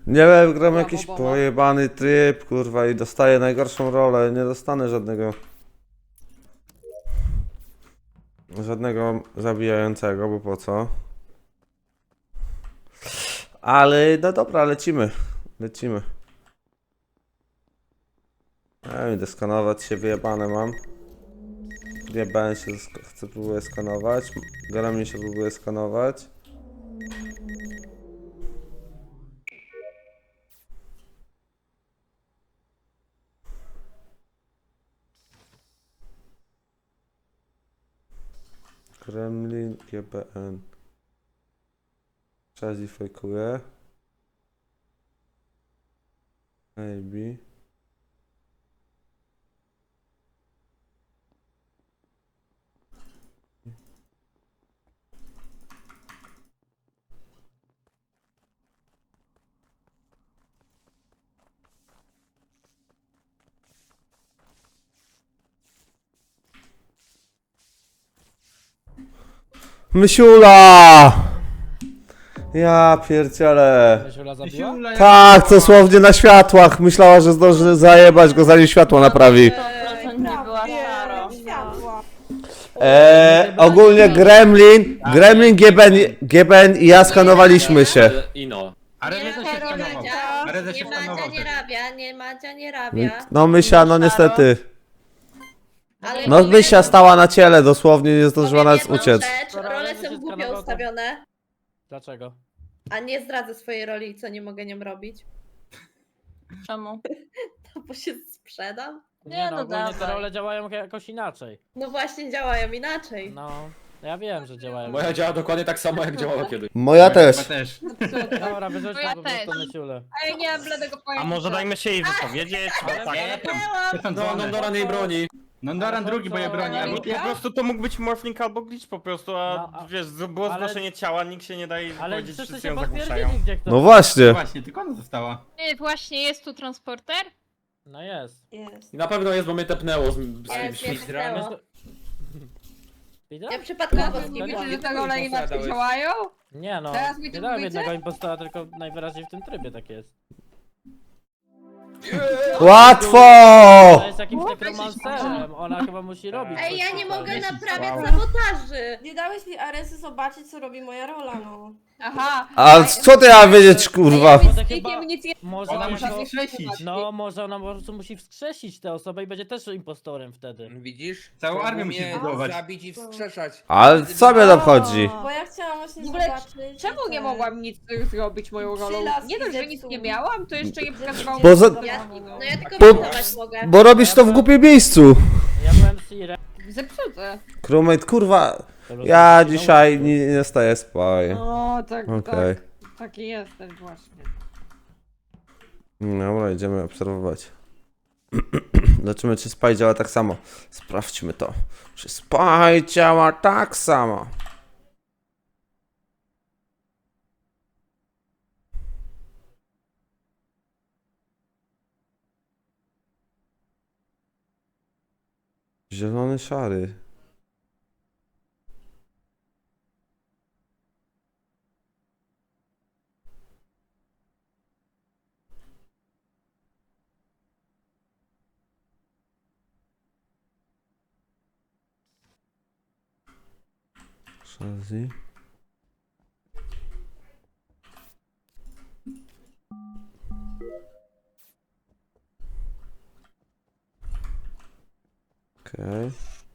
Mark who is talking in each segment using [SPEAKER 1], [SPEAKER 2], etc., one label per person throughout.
[SPEAKER 1] Nie wiem, gram
[SPEAKER 2] Ja
[SPEAKER 1] jakiś
[SPEAKER 2] Bobona.
[SPEAKER 1] pojebany tryb, kurwa, i dostaję najgorszą rolę. Nie dostanę żadnego zabijającego, bo po co? Ale no dobra, lecimy. Lecimy. Idę skanować się, wyjebane mam. GBN się próbuje skanować. Gremlin się próbuje skanować. Gremlin, GBN. Chazi fejkuje. AB. Mysiula! Ja pierdzielę.
[SPEAKER 3] Mysiula zabiła?
[SPEAKER 1] Tak, dosłownie na światłach. Myślała, że zdąży zajebać go, zanim światło naprawi.
[SPEAKER 4] Nie była szaro.
[SPEAKER 2] Światła.
[SPEAKER 1] Ogólnie Gremlin, GBN i ja skanowaliśmy się.
[SPEAKER 5] Ino.
[SPEAKER 6] A Reza się skanował. A Reza się
[SPEAKER 4] Nie Madzia
[SPEAKER 6] skanował.
[SPEAKER 4] nie rabia, nie Madzia nie rabia.
[SPEAKER 1] No Mysia, no niestety.
[SPEAKER 4] Ale
[SPEAKER 1] No
[SPEAKER 4] powiem-
[SPEAKER 1] Mysia stała na ciele, dosłownie nie zdążyła
[SPEAKER 4] powiem
[SPEAKER 1] nas
[SPEAKER 4] jedną
[SPEAKER 1] uciec.
[SPEAKER 4] rzecz,
[SPEAKER 3] Dobra,
[SPEAKER 4] role
[SPEAKER 3] ale
[SPEAKER 4] są
[SPEAKER 3] się
[SPEAKER 4] głupio
[SPEAKER 3] skanował, to-
[SPEAKER 4] ustawione,
[SPEAKER 3] Dlaczego?
[SPEAKER 4] a nie zdradzę swojej roli, co nie mogę nią robić.
[SPEAKER 7] Czemu?
[SPEAKER 4] To bo się sprzedam.
[SPEAKER 3] Nie no,
[SPEAKER 7] no
[SPEAKER 3] ogólnie te
[SPEAKER 7] dawaj.
[SPEAKER 3] role działają jakoś inaczej.
[SPEAKER 4] No właśnie działają inaczej.
[SPEAKER 3] No, ja wiem, że działają.
[SPEAKER 5] Moja działa dokładnie tak samo jak działała kiedyś.
[SPEAKER 1] Moja też.
[SPEAKER 6] Chyba też.
[SPEAKER 3] Dobra, wyrzućmy
[SPEAKER 7] Ja
[SPEAKER 3] po prostu
[SPEAKER 7] też.
[SPEAKER 3] Mysiulę.
[SPEAKER 7] A ja nie mam bladego pojęcia.
[SPEAKER 8] A może dajmy się jej wypowiedzieć? Bo tak.
[SPEAKER 6] To są
[SPEAKER 5] No,
[SPEAKER 6] dzwony.
[SPEAKER 5] Nondoran jej broni.
[SPEAKER 6] Nondoran
[SPEAKER 3] Ale
[SPEAKER 6] drugi, bo ja
[SPEAKER 3] to-
[SPEAKER 6] broni.
[SPEAKER 8] Albo
[SPEAKER 6] Albo
[SPEAKER 8] po prostu to mógł być morphling albo glitch po prostu, a
[SPEAKER 3] No, a-
[SPEAKER 8] wiesz, było
[SPEAKER 3] ale-
[SPEAKER 8] zgłoszenie ciała, nikt się nie daje
[SPEAKER 3] Ale
[SPEAKER 8] powiedzieć,
[SPEAKER 3] wszyscy
[SPEAKER 8] wszyscy
[SPEAKER 3] się
[SPEAKER 8] ją zagłuszają.
[SPEAKER 3] potwierdzili, gdzie kto.
[SPEAKER 1] No właśnie.
[SPEAKER 6] Właśnie, tylko ona została.
[SPEAKER 7] Nie, właśnie jest tu transporter?
[SPEAKER 3] No jest.
[SPEAKER 2] Jest.
[SPEAKER 5] I na pewno jest, bo mnie tepnęło z
[SPEAKER 4] Ale
[SPEAKER 5] kimś.
[SPEAKER 4] mnie tepnęło.
[SPEAKER 3] Widział?
[SPEAKER 4] Ja przypadkowo
[SPEAKER 3] Nie
[SPEAKER 4] zginęłam.
[SPEAKER 3] widzę,
[SPEAKER 7] Że te role inaczej działają?
[SPEAKER 3] Nie no,
[SPEAKER 7] Teraz mi
[SPEAKER 3] nie
[SPEAKER 7] to
[SPEAKER 3] dałem
[SPEAKER 7] mówicie?
[SPEAKER 3] jednego impostora, tylko najwyraźniej w tym trybie tak jest.
[SPEAKER 1] Łatwo!
[SPEAKER 3] Ona jest jakimś nekromancerem, ona chyba musi robić
[SPEAKER 4] Ej,
[SPEAKER 3] coś
[SPEAKER 4] ja nie
[SPEAKER 3] tutaj.
[SPEAKER 4] mogę
[SPEAKER 6] Wow.
[SPEAKER 4] naprawiać sabotaży.
[SPEAKER 2] Nie dałeś mi Aresy zobaczyć, co robi moja rola, no.
[SPEAKER 7] Aha.
[SPEAKER 1] A co ty ja wiedzieć, kurwa?
[SPEAKER 3] Może
[SPEAKER 7] Z
[SPEAKER 3] chyba-
[SPEAKER 7] klikiem nic nie...
[SPEAKER 3] Może
[SPEAKER 6] Ona
[SPEAKER 3] ona
[SPEAKER 6] musi
[SPEAKER 3] to...
[SPEAKER 6] wskrzesić.
[SPEAKER 3] No, może ona po prostu musi wskrzesić tę osobę i będzie też impostorem wtedy.
[SPEAKER 9] Widzisz?
[SPEAKER 6] Całą
[SPEAKER 9] Trzeba
[SPEAKER 6] armię musi
[SPEAKER 9] mnie
[SPEAKER 6] budować.
[SPEAKER 9] zabić i wskrzeszać.
[SPEAKER 1] Ale co mnie obchodzi?
[SPEAKER 2] Bo ja chciałam właśnie
[SPEAKER 7] W ogóle
[SPEAKER 2] zobaczyć...
[SPEAKER 7] Czemu nie
[SPEAKER 2] te-
[SPEAKER 7] mogłam nic zrobić moją rolą?
[SPEAKER 2] Przylaski
[SPEAKER 7] Nie dość, że nic
[SPEAKER 2] zepsuł.
[SPEAKER 7] nie miałam, to jeszcze nie pokazywałam...
[SPEAKER 1] Bo za-
[SPEAKER 4] No ja tylko
[SPEAKER 1] Bo-
[SPEAKER 4] pracować mogę.
[SPEAKER 1] Bo robisz to w głupim miejscu.
[SPEAKER 3] Ja byłem Sirem.
[SPEAKER 7] Zepsute.
[SPEAKER 1] Crewmate, kurwa. Ja dzisiaj nie staję spać.
[SPEAKER 7] O, tak,
[SPEAKER 1] Okej.
[SPEAKER 7] tak. Taki jesteś właśnie.
[SPEAKER 1] Dobra, idziemy obserwować. Zobaczymy, czy Spy działa tak samo. Sprawdźmy to. Czy Spy działa tak samo? Zielony, szary. Shazzy. Okej.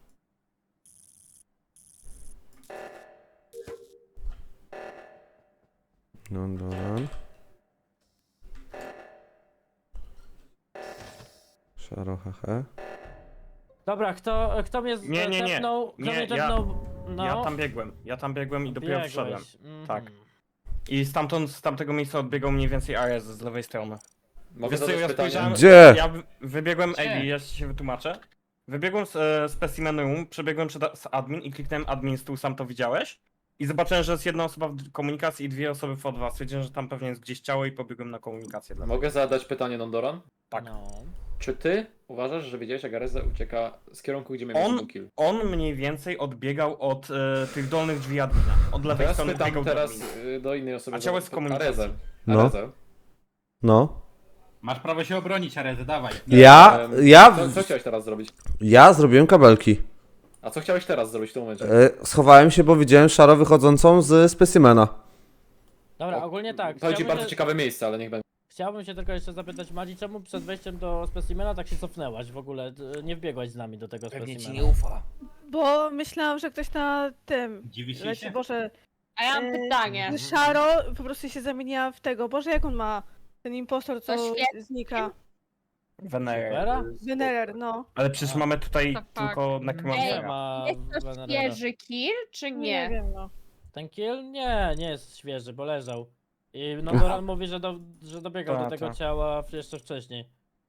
[SPEAKER 1] Nondoran. Szaro, hehe.
[SPEAKER 3] Dobra, kto mnie
[SPEAKER 8] Nie.
[SPEAKER 3] tepnął? Kto
[SPEAKER 8] Nie,
[SPEAKER 3] mnie
[SPEAKER 8] ja-
[SPEAKER 3] tepnął? No.
[SPEAKER 8] Ja tam biegłem i dopiero
[SPEAKER 3] Biegłeś.
[SPEAKER 8] wszedłem.
[SPEAKER 3] Mhm.
[SPEAKER 8] Tak. I z tamtego miejsca odbiegał mniej więcej Ares z lewej strony.
[SPEAKER 5] Mogę
[SPEAKER 8] Wiesz co,
[SPEAKER 5] zadać
[SPEAKER 8] ja
[SPEAKER 5] pytanie?
[SPEAKER 8] spojrzałem-
[SPEAKER 1] Gdzie?
[SPEAKER 8] Ja wybiegłem
[SPEAKER 6] Gdzie?
[SPEAKER 8] AB, ja się wytłumaczę. Wybiegłem z specimen room, przebiegłem z admin i kliknąłem admin stół, sam to widziałeś. I zobaczyłem, że jest jedna osoba w komunikacji i dwie osoby w O2. Stwierdziłem, że tam pewnie jest gdzieś ciało i pobiegłem na komunikację.
[SPEAKER 5] Mogę zadać pytanie, Nondoran?
[SPEAKER 8] Tak.
[SPEAKER 3] No.
[SPEAKER 5] Czy ty uważasz, że widziałeś, jak Areza ucieka z kierunku, gdzie miał
[SPEAKER 8] On-
[SPEAKER 5] kill?
[SPEAKER 8] On mniej więcej odbiegał od tych dolnych drzwi admina. Od lewej
[SPEAKER 5] Teraz
[SPEAKER 8] strony
[SPEAKER 5] pytam
[SPEAKER 8] biegał do
[SPEAKER 5] teraz
[SPEAKER 8] admina.
[SPEAKER 5] do innej osoby.
[SPEAKER 8] A ciało jest w komunikacji.
[SPEAKER 5] Arezę.
[SPEAKER 1] No.
[SPEAKER 5] Arezę.
[SPEAKER 1] No.
[SPEAKER 6] Masz prawo się obronić, Arezy, dawaj.
[SPEAKER 5] Co chciałeś teraz zrobić?
[SPEAKER 1] Ja zrobiłem kabelki.
[SPEAKER 5] A co chciałeś teraz zrobić w tym momencie?
[SPEAKER 1] Schowałem się, bo widziałem szaro wychodzącą z specimena.
[SPEAKER 3] Dobra, ogólnie tak.
[SPEAKER 5] To ci
[SPEAKER 3] Chciałbym
[SPEAKER 5] bardzo
[SPEAKER 3] się,
[SPEAKER 5] ciekawe miejsce, ale niech będzie.
[SPEAKER 3] chciałbym się tylko jeszcze zapytać Madzi, czemu przed wejściem do specimena tak się cofnęłaś w ogóle? Nie wbiegłaś z nami do tego specimena.
[SPEAKER 5] ufa.
[SPEAKER 9] Bo myślałam, że ktoś na tym
[SPEAKER 6] Dziwisz
[SPEAKER 9] leci,
[SPEAKER 6] się?
[SPEAKER 9] Boże,
[SPEAKER 7] A ja mam pytanie.
[SPEAKER 9] Szaro po prostu się zamieniła w tego, Boże, jak on ma? Ten impostor, co
[SPEAKER 7] To świetnie.
[SPEAKER 9] znika.
[SPEAKER 8] Wenerer.
[SPEAKER 3] Vera?
[SPEAKER 9] Venerer, no.
[SPEAKER 8] Ale przecież mamy tutaj
[SPEAKER 7] Tak,
[SPEAKER 8] tylko
[SPEAKER 3] Nie
[SPEAKER 8] Necromancera.
[SPEAKER 3] ma
[SPEAKER 7] Jest to
[SPEAKER 3] Venera.
[SPEAKER 7] świeży kill, czy
[SPEAKER 9] Nie
[SPEAKER 7] nie?
[SPEAKER 9] wiem, no.
[SPEAKER 3] Ten kill? Nie jest świeży, bo leżał. I Nodoran mówi, że dobiegał do
[SPEAKER 8] Ta,
[SPEAKER 3] tego
[SPEAKER 8] ta.
[SPEAKER 3] ciała jeszcze wcześniej.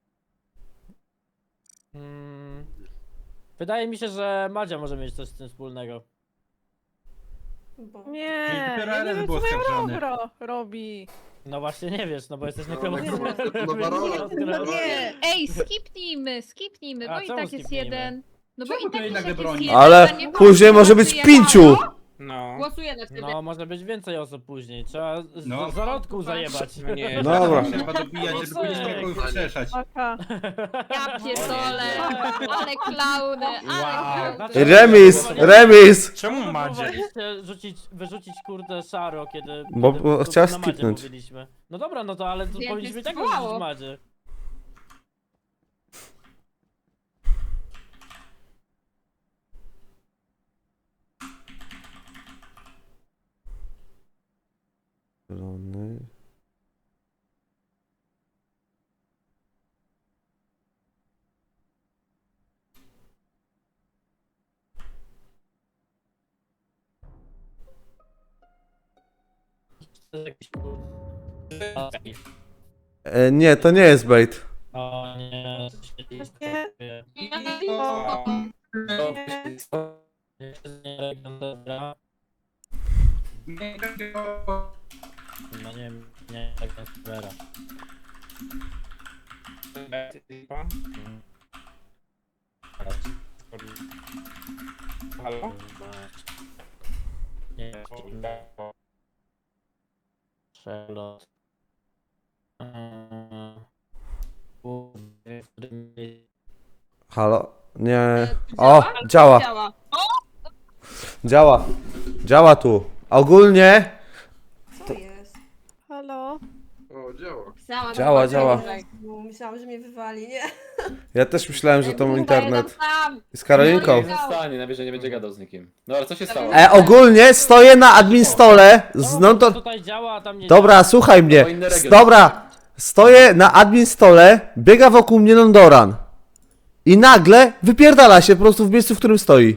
[SPEAKER 3] Wydaje mi się, że Madzia może mieć coś z tym wspólnego.
[SPEAKER 2] Bo...
[SPEAKER 9] Nie,
[SPEAKER 6] Czyli dopiero
[SPEAKER 9] ja nie
[SPEAKER 6] Ares
[SPEAKER 9] wiem,
[SPEAKER 6] był
[SPEAKER 9] co moja
[SPEAKER 6] oskarżony.
[SPEAKER 9] Robro robi.
[SPEAKER 3] No właśnie nie wiesz, no bo jesteś
[SPEAKER 10] No,
[SPEAKER 3] nekromancerem.
[SPEAKER 10] no, Barola.
[SPEAKER 9] No nie.
[SPEAKER 11] Ej, skipnijmy,
[SPEAKER 3] A
[SPEAKER 11] bo i
[SPEAKER 3] czemu
[SPEAKER 11] tak jest
[SPEAKER 3] skipnijmy?
[SPEAKER 11] jeden. No bo
[SPEAKER 6] Czemu
[SPEAKER 11] i
[SPEAKER 6] to
[SPEAKER 11] tak
[SPEAKER 6] jednak
[SPEAKER 11] jest
[SPEAKER 6] broni?
[SPEAKER 11] jeden,
[SPEAKER 1] Ale
[SPEAKER 11] a nie
[SPEAKER 1] później może być
[SPEAKER 11] głosujemy.
[SPEAKER 1] 5.
[SPEAKER 8] No.
[SPEAKER 7] Głosuję na ciebie.
[SPEAKER 3] No, może być więcej osób później. Trzeba
[SPEAKER 6] No.
[SPEAKER 3] z zarodku zajebać.
[SPEAKER 8] No nie,
[SPEAKER 1] Dobra.
[SPEAKER 6] Trzeba dobijać, żeby później
[SPEAKER 3] Ej.
[SPEAKER 6] kogoś wskrzeszać.
[SPEAKER 9] Maka.
[SPEAKER 11] Ja pierdolę, ale klauny, ale
[SPEAKER 8] Wow.
[SPEAKER 11] klauny.
[SPEAKER 1] Remis!
[SPEAKER 8] Czemu Madzie?
[SPEAKER 3] Próbowaliście wyrzucić kurde Szaro, kiedy...
[SPEAKER 1] Bo
[SPEAKER 3] kiedy
[SPEAKER 1] chciała
[SPEAKER 3] na Madzie
[SPEAKER 1] skipnąć.
[SPEAKER 3] mówiliśmy. No dobra, no to ale to
[SPEAKER 7] Więcej
[SPEAKER 3] powinniśmy i tak
[SPEAKER 7] spróbowało.
[SPEAKER 3] wyrzucić Madzie.
[SPEAKER 1] Zielony.
[SPEAKER 3] To jest jakiś kurde...
[SPEAKER 1] Nie, to nie jest bait.
[SPEAKER 3] O nie,
[SPEAKER 9] Nie.
[SPEAKER 3] No nie, tak jest Vera.
[SPEAKER 8] Halo?
[SPEAKER 3] Nie, Charlotte.
[SPEAKER 1] Halo? Nie. O, działa. Działa. Działa tu. Ogólnie
[SPEAKER 2] Co jest?
[SPEAKER 9] Halo?
[SPEAKER 10] O, działa.
[SPEAKER 1] działa.
[SPEAKER 2] Bo myślałam, że mnie wywali, nie?
[SPEAKER 1] Ja też myślałem, że to mój internet.
[SPEAKER 7] Tam.
[SPEAKER 1] Z Karolinką.
[SPEAKER 5] Nie zostanie, najwyżej nie będzie gadał z nikim. No ale co się stało?
[SPEAKER 1] Ogólnie stoję na admin stole z
[SPEAKER 3] No
[SPEAKER 1] to...
[SPEAKER 3] tutaj działa, a tam nie
[SPEAKER 1] Dobra, słuchaj mnie.
[SPEAKER 5] To inny region.
[SPEAKER 1] Dobra. Stoję na admin stole, biega wokół mnie Nondoran. I nagle wypierdala się po prostu w miejscu, w którym stoi.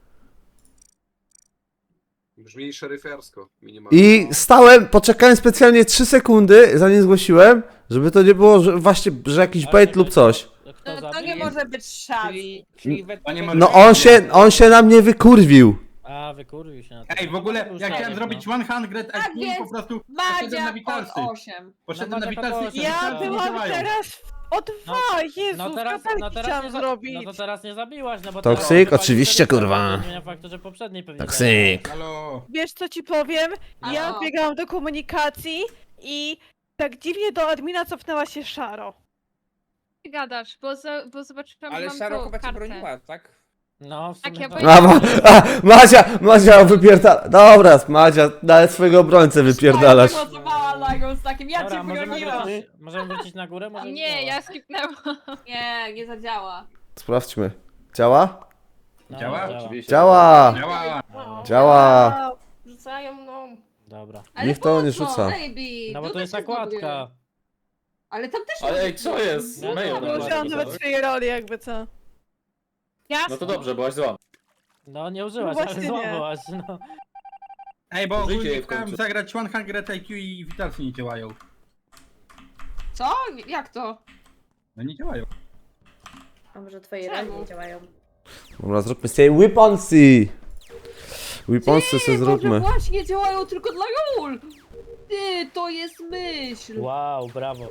[SPEAKER 10] Brzmi szeryfiarsko, minimalnie.
[SPEAKER 1] I stałem, poczekałem specjalnie 3 sekundy, zanim zgłosiłem, żeby to nie było, że właśnie, że jakiś bait lub coś.
[SPEAKER 3] Kto
[SPEAKER 7] To
[SPEAKER 3] zabił?
[SPEAKER 7] nie może być szans.
[SPEAKER 6] Panie
[SPEAKER 1] No on się na mnie wykurwił.
[SPEAKER 3] A, wykurwił się na to.
[SPEAKER 6] Ej, w ogóle,
[SPEAKER 3] To już
[SPEAKER 6] ja
[SPEAKER 3] tak,
[SPEAKER 6] chciałem
[SPEAKER 3] no.
[SPEAKER 6] zrobić 100
[SPEAKER 7] Tak
[SPEAKER 6] IQ,
[SPEAKER 7] więc
[SPEAKER 6] po prostu poszedłem na
[SPEAKER 7] Madzia
[SPEAKER 6] witalsy.
[SPEAKER 7] pod 8.
[SPEAKER 6] Poszedłem
[SPEAKER 3] No
[SPEAKER 6] na
[SPEAKER 3] Madzia
[SPEAKER 6] witalsy
[SPEAKER 3] pod
[SPEAKER 6] i
[SPEAKER 3] osiem.
[SPEAKER 9] Ja
[SPEAKER 6] witalsy nie
[SPEAKER 9] byłam
[SPEAKER 6] działają.
[SPEAKER 9] teraz o 2, Jezus,
[SPEAKER 3] No teraz
[SPEAKER 9] chciałam
[SPEAKER 3] nie
[SPEAKER 9] zrobić.
[SPEAKER 3] No to teraz nie zabiłaś, no bo
[SPEAKER 1] Toksyk,
[SPEAKER 3] teraz wypalił
[SPEAKER 1] oczywiście,
[SPEAKER 3] wtedy,
[SPEAKER 1] kurwa.
[SPEAKER 3] Nie zmienia faktu, że poprzedniej pewnie
[SPEAKER 1] Toksyk.
[SPEAKER 6] Halo.
[SPEAKER 9] Wiesz co ci powiem? Ja
[SPEAKER 7] Halo.
[SPEAKER 9] biegałam do komunikacji i tak dziwnie do admina cofnęła się Szaro.
[SPEAKER 11] Ty gadasz, bo zobaczyłam,
[SPEAKER 12] Ale
[SPEAKER 11] że mam
[SPEAKER 12] Szaro
[SPEAKER 11] tą
[SPEAKER 12] chyba cię
[SPEAKER 11] kartę.
[SPEAKER 12] broniła, tak?
[SPEAKER 3] No, w
[SPEAKER 11] Tak,
[SPEAKER 3] sumie
[SPEAKER 11] ja
[SPEAKER 3] tak.
[SPEAKER 11] powiedziałam-
[SPEAKER 1] Madzia wypierdala. Dobra, Madzia, nawet swojego obrońcę wypierdalasz.
[SPEAKER 7] Głosowała na nią z takim, ja
[SPEAKER 3] Dobra,
[SPEAKER 7] cię
[SPEAKER 3] możemy
[SPEAKER 7] broniłam.
[SPEAKER 3] wrócić na górę? Może
[SPEAKER 11] Nie, ja skipnęłam.
[SPEAKER 7] Nie, nie zadziała.
[SPEAKER 1] Sprawdźmy. Działa?
[SPEAKER 3] No,
[SPEAKER 6] Działa?
[SPEAKER 5] Oczywiście.
[SPEAKER 1] Działa!
[SPEAKER 6] Działa.
[SPEAKER 2] No.
[SPEAKER 1] Działa!
[SPEAKER 2] Rzucają mną.
[SPEAKER 3] Dobra.
[SPEAKER 7] Ale
[SPEAKER 1] Niech to
[SPEAKER 7] po
[SPEAKER 1] nie
[SPEAKER 7] co,
[SPEAKER 1] rzuca.
[SPEAKER 7] Baby?
[SPEAKER 3] No bo to
[SPEAKER 7] Tutaj
[SPEAKER 3] jest
[SPEAKER 7] się
[SPEAKER 3] nakładka.
[SPEAKER 7] zdobyły. Ale tam też
[SPEAKER 5] Ale ej, co jest?
[SPEAKER 3] No,
[SPEAKER 5] Mayo,
[SPEAKER 3] no,
[SPEAKER 5] no,
[SPEAKER 9] Użyłam nawet swojej roli, jakby co.
[SPEAKER 5] no to dobrze, byłaś zła.
[SPEAKER 3] No nie użyłaś,
[SPEAKER 9] No
[SPEAKER 3] ale
[SPEAKER 9] właśnie nie.
[SPEAKER 3] złapałaś, no.
[SPEAKER 6] Ej, bo
[SPEAKER 5] Życie
[SPEAKER 6] ogólnie
[SPEAKER 5] jej w
[SPEAKER 6] chciałem
[SPEAKER 5] końcu.
[SPEAKER 6] zagrać 100 IQ i witalsy nie działają.
[SPEAKER 7] Co? Jak to?
[SPEAKER 6] No nie działają.
[SPEAKER 4] A może twoje
[SPEAKER 7] Czemu?
[SPEAKER 4] ręce nie działają?
[SPEAKER 1] Dobra, zróbmy sobie weaponsy! Weaponsy sobie
[SPEAKER 7] Może
[SPEAKER 1] zróbmy.
[SPEAKER 7] właśnie działają tylko dla Jul! Ty, to jest myśl!
[SPEAKER 3] Wow, brawo.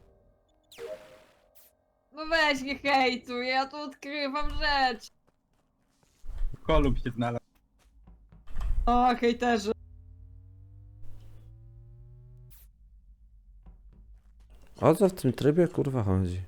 [SPEAKER 7] No weź nie hejtuj, ja tu odkrywam rzecz!
[SPEAKER 6] Kolub się znalazł.
[SPEAKER 7] O, hejterzy.
[SPEAKER 1] O co w tym trybie kurwa chodzi?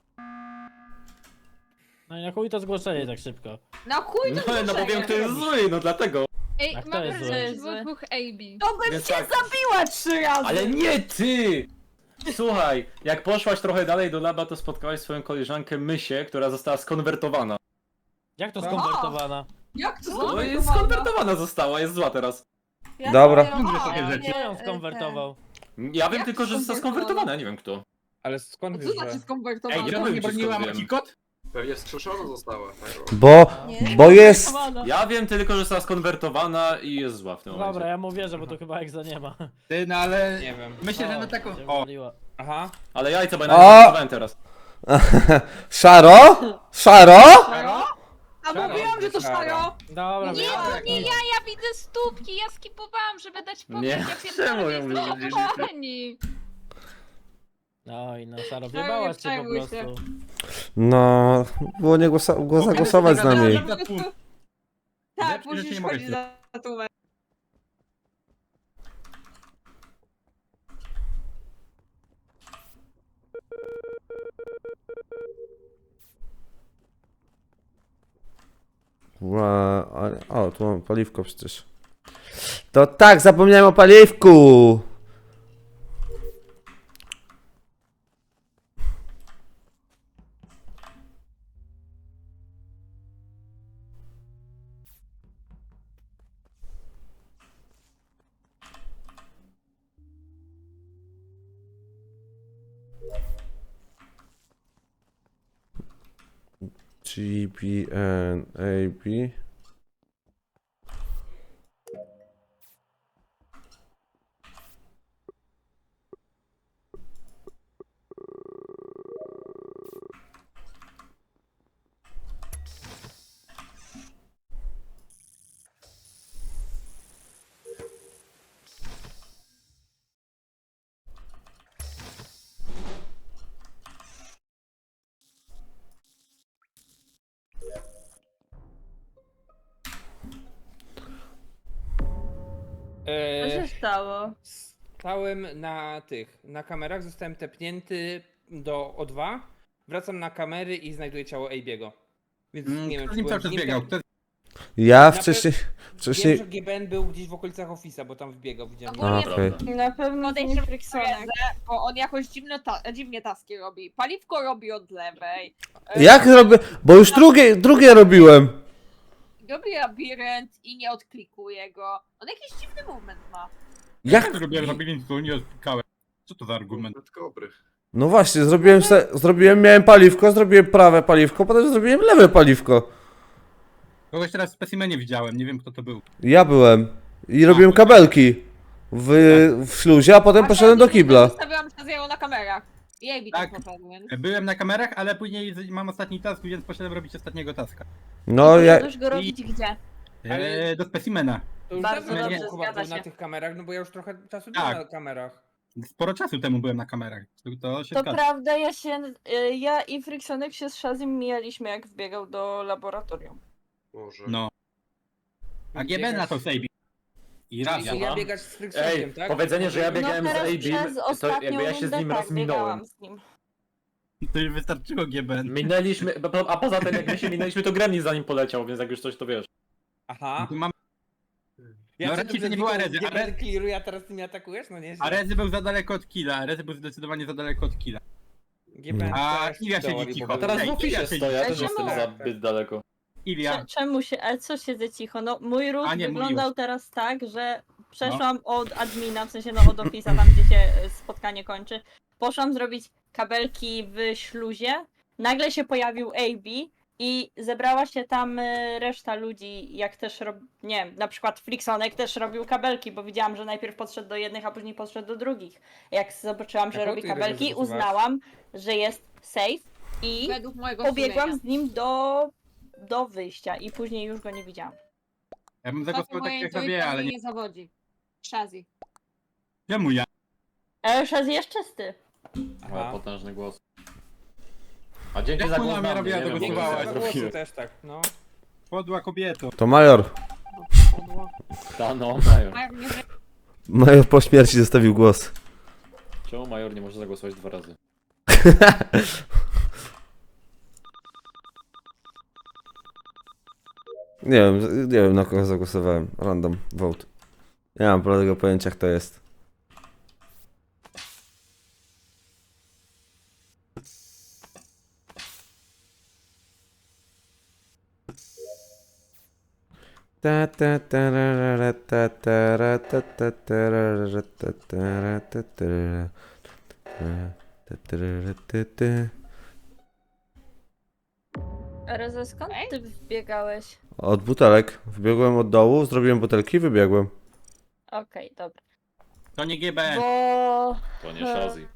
[SPEAKER 3] No i na chuj to zgłoszenie tak szybko.
[SPEAKER 7] Na chuj to
[SPEAKER 5] No bo wiem, kto jest zły, no dlatego.
[SPEAKER 11] Ej,
[SPEAKER 3] A kto
[SPEAKER 11] mam
[SPEAKER 3] jest
[SPEAKER 11] wrażenie,
[SPEAKER 3] zły?
[SPEAKER 11] że było dwóch AB.
[SPEAKER 7] To bym
[SPEAKER 5] Więc
[SPEAKER 7] cię
[SPEAKER 5] tak.
[SPEAKER 7] zabiła 3 razy!
[SPEAKER 5] Ale nie ty! Słuchaj, jak poszłaś trochę dalej do laba, to spotkałaś swoją koleżankę Mysię, która została skonwertowana.
[SPEAKER 3] Jak to
[SPEAKER 7] Aha.
[SPEAKER 3] skonwertowana?
[SPEAKER 7] Jak to
[SPEAKER 5] No jest
[SPEAKER 7] skonwertowana?
[SPEAKER 5] skonwertowana została, jest zła teraz.
[SPEAKER 2] Ja
[SPEAKER 1] Dobra.
[SPEAKER 2] sobie
[SPEAKER 6] Mądre
[SPEAKER 2] robię,
[SPEAKER 6] takie
[SPEAKER 2] nie,
[SPEAKER 6] rzeczy.
[SPEAKER 3] Kto ją skonwertował?
[SPEAKER 5] Ja wiem
[SPEAKER 7] Jak
[SPEAKER 5] tylko, że została skonwertowana, nie wiem kto.
[SPEAKER 8] Ale skąd
[SPEAKER 7] Co
[SPEAKER 8] wiesz,
[SPEAKER 7] znaczy
[SPEAKER 8] że...
[SPEAKER 7] skonwertowana?
[SPEAKER 5] Ej,
[SPEAKER 6] Ja
[SPEAKER 5] powiem
[SPEAKER 6] nie
[SPEAKER 5] ci,
[SPEAKER 6] broniła
[SPEAKER 5] skąd wiem.
[SPEAKER 6] Macikot?
[SPEAKER 10] Pewnie skrzeszona została. Tak, o.
[SPEAKER 2] Nie?
[SPEAKER 1] Bo jest...
[SPEAKER 7] Skonwertowana.
[SPEAKER 5] Ja wiem tylko, że została skonwertowana i jest zła w tym momencie.
[SPEAKER 3] Dobra, ja mu wierzę, bo to chyba egza nie ma.
[SPEAKER 6] Ty, no ale...
[SPEAKER 8] Nie wiem.
[SPEAKER 6] Myślę, że na taką...
[SPEAKER 3] Cię
[SPEAKER 6] O,
[SPEAKER 3] wywaliła.
[SPEAKER 8] Aha.
[SPEAKER 5] Ale jajca, bo ja
[SPEAKER 1] O!
[SPEAKER 5] nawet głosowałem teraz.
[SPEAKER 1] Szaro? Szaro?
[SPEAKER 7] A mówiłam, że to szaro!
[SPEAKER 3] Dobra,
[SPEAKER 11] Nie,
[SPEAKER 3] wiem.
[SPEAKER 11] to nie ja widzę stópki, ja skipowałam, żeby dać pokój.
[SPEAKER 5] Nie,
[SPEAKER 11] Ja
[SPEAKER 5] czemu
[SPEAKER 11] pierdolę,
[SPEAKER 5] ją
[SPEAKER 11] jest
[SPEAKER 5] wyrzucili?
[SPEAKER 3] No i no, Szaro, wjebałaś cię po
[SPEAKER 7] przejmuj się.
[SPEAKER 3] prostu.
[SPEAKER 1] No... Było nie zagłosować z nami.
[SPEAKER 7] Po prostu... Tak, musisz chodzić za tłumem.
[SPEAKER 1] O, tu mam paliwko przecież. To tak, zapomniałem o paliwku! GBN AB.
[SPEAKER 7] Co się stało?
[SPEAKER 8] Stałem na kamerach, zostałem tepnięty do O2, wracam na kamery i znajduję ciało AB'ego. Więc nie wiem,
[SPEAKER 6] Kto z
[SPEAKER 8] czy
[SPEAKER 6] nim
[SPEAKER 8] byłem
[SPEAKER 6] cały czas
[SPEAKER 8] z nim,
[SPEAKER 6] biegał?
[SPEAKER 8] tam-
[SPEAKER 6] Kto...
[SPEAKER 1] Ja
[SPEAKER 8] pe-
[SPEAKER 1] wcześniej...
[SPEAKER 8] Wiem, że GBN był gdzieś w okolicach Office'a, bo tam wbiegał, widziałem.
[SPEAKER 1] A, okej.
[SPEAKER 7] Na pewno to nie
[SPEAKER 4] Podejrzewam,
[SPEAKER 7] Friksonek. Bo on jakoś dziwnie taski robi. Paliwko robi od lewej.
[SPEAKER 1] Jak robię? Bo już drugie robiłem.
[SPEAKER 7] Robi labirynt i nie odklikuje go. On jakiś dziwny movement ma.
[SPEAKER 1] Jak?
[SPEAKER 6] Zrobiłem labirynt, to nie odklikałem. Co to za argument?
[SPEAKER 10] Dobry.
[SPEAKER 1] No właśnie, miałem paliwko, zrobiłem prawe paliwko, potem zrobiłem lewe paliwko.
[SPEAKER 6] Kogoś teraz w specimenie widziałem, nie wiem kto to był.
[SPEAKER 1] Ja byłem. I robiłem kabelki w śluzie, a potem poszedłem do kibla.
[SPEAKER 7] Zostawiłam Shazero na kamerach. I Amy
[SPEAKER 6] Tak.
[SPEAKER 7] tam poszedł, więc...
[SPEAKER 6] Byłem na kamerach, ale później mam ostatni task, więc poszedłem robić ostatniego taska.
[SPEAKER 1] No ja...
[SPEAKER 4] Możesz go robić gdzie?
[SPEAKER 8] Ale-
[SPEAKER 6] Do specimena.
[SPEAKER 8] To już
[SPEAKER 4] Bardzo
[SPEAKER 8] dawno
[SPEAKER 6] dobrze,
[SPEAKER 8] temu chyba
[SPEAKER 7] zgadza
[SPEAKER 8] był na
[SPEAKER 7] się.
[SPEAKER 8] tych kamerach, no bo ja już trochę czasu
[SPEAKER 6] Tak.
[SPEAKER 8] byłem na kamerach.
[SPEAKER 6] Sporo czasu temu byłem na kamerach. To się
[SPEAKER 4] To
[SPEAKER 6] zgadza.
[SPEAKER 4] prawda, ja i Friksonek się z Shazim mijaliśmy jak wbiegał do laboratorium.
[SPEAKER 10] Może.
[SPEAKER 6] No. A GB na to sejbi. I raz
[SPEAKER 8] Czyli
[SPEAKER 6] ja
[SPEAKER 8] ja biegać z Friksonem,
[SPEAKER 5] Ej,
[SPEAKER 8] tak?
[SPEAKER 5] powiedzenie, że ja
[SPEAKER 4] No
[SPEAKER 5] biegałem z
[SPEAKER 4] teraz
[SPEAKER 5] AB,
[SPEAKER 4] przez
[SPEAKER 5] to
[SPEAKER 4] ostatnią
[SPEAKER 5] jakby ja się z
[SPEAKER 4] rundę
[SPEAKER 5] nim
[SPEAKER 4] tak,
[SPEAKER 5] raz minąłem.
[SPEAKER 4] biegałam z nim.
[SPEAKER 6] To już wystarczyło GB.
[SPEAKER 5] Minęliśmy, a poza tym jak my się minęliśmy, to Gremlin za nim poleciał, więc jak już coś to wiesz.
[SPEAKER 8] Aha.
[SPEAKER 6] Tu mam...
[SPEAKER 8] Ja
[SPEAKER 6] No,
[SPEAKER 8] się
[SPEAKER 6] raczej
[SPEAKER 8] tu
[SPEAKER 6] to nie była
[SPEAKER 8] przed
[SPEAKER 6] Rezy,
[SPEAKER 8] GBN
[SPEAKER 6] ale-
[SPEAKER 8] clearuje, a teraz ty mnie atakujesz? No nie.
[SPEAKER 6] A Rezy był za daleko od killa. Rezy był zdecydowanie za daleko od killa.
[SPEAKER 8] GBN
[SPEAKER 6] A
[SPEAKER 8] też
[SPEAKER 6] Ilia siedzi
[SPEAKER 8] teorii,
[SPEAKER 6] cicho.
[SPEAKER 8] bo
[SPEAKER 5] A teraz w
[SPEAKER 6] Ej,
[SPEAKER 5] oficie
[SPEAKER 6] Ilia
[SPEAKER 5] stoję, ja też
[SPEAKER 4] Czemu?
[SPEAKER 5] jestem zbyt daleko.
[SPEAKER 6] Ilia.
[SPEAKER 4] Czemu się, ale co siedzę cicho? No mój ruch
[SPEAKER 6] A nie,
[SPEAKER 4] wyglądał
[SPEAKER 6] mówiłeś.
[SPEAKER 4] teraz tak, że przeszłam od admina, w sensie no od ofisa, tam gdzie się spotkanie kończy. Poszłam zrobić kabelki w śluzie, nagle się pojawił AB i zebrała się tam reszta ludzi, jak też nie wiem, na przykład Friksonek też robił kabelki, bo widziałam, że najpierw podszedł do jednych, a później podszedł do drugich. Jak zobaczyłam, że
[SPEAKER 8] Jaką
[SPEAKER 4] robi
[SPEAKER 8] ty
[SPEAKER 4] kabelki,
[SPEAKER 8] Rezy zasuwasz?
[SPEAKER 4] uznałam, że jest safe i
[SPEAKER 7] Według mojego
[SPEAKER 4] pobiegłam
[SPEAKER 7] sumienia.
[SPEAKER 4] z nim do wyjścia i później już go nie widziałam.
[SPEAKER 6] Ja bym
[SPEAKER 7] To
[SPEAKER 6] zagłosował tak
[SPEAKER 7] moja
[SPEAKER 6] jak sobie,
[SPEAKER 7] intuicja
[SPEAKER 6] ale
[SPEAKER 7] mnie
[SPEAKER 6] nie.
[SPEAKER 7] nie zawodzi. Shazzy.
[SPEAKER 6] Czemu ja?
[SPEAKER 4] Ale już raz jest czysty.
[SPEAKER 5] Ale
[SPEAKER 8] Aha.
[SPEAKER 5] potężny głos. A dzięki
[SPEAKER 6] Jak
[SPEAKER 5] za
[SPEAKER 6] ona
[SPEAKER 5] głos
[SPEAKER 6] mnie
[SPEAKER 5] na mnie,
[SPEAKER 6] robiła,
[SPEAKER 5] nie
[SPEAKER 6] to
[SPEAKER 5] wiem,
[SPEAKER 8] Dzięki
[SPEAKER 6] głosowała.
[SPEAKER 8] za
[SPEAKER 5] co
[SPEAKER 8] głosy
[SPEAKER 5] zrobiłem.
[SPEAKER 8] też tak, no.
[SPEAKER 6] Podła kobieto.
[SPEAKER 1] To major.
[SPEAKER 5] Ta no, mają.
[SPEAKER 7] A jak mnie
[SPEAKER 1] Major po śmierci zostawił głos.
[SPEAKER 5] Czemu Major nie może zagłosować 2 razy?
[SPEAKER 1] Nie wiem na kogo zagłosowałem. Random vote. Nie mam bladego pojęcia kto jest.
[SPEAKER 4] Reze, skąd ty wbiegałeś?
[SPEAKER 1] Od butelek. Wbiegłem od dołu, zrobiłem butelki i wybiegłem.
[SPEAKER 4] Okej, dobra.
[SPEAKER 6] To nie GBN.
[SPEAKER 4] Bo...
[SPEAKER 5] To nie Shazzy.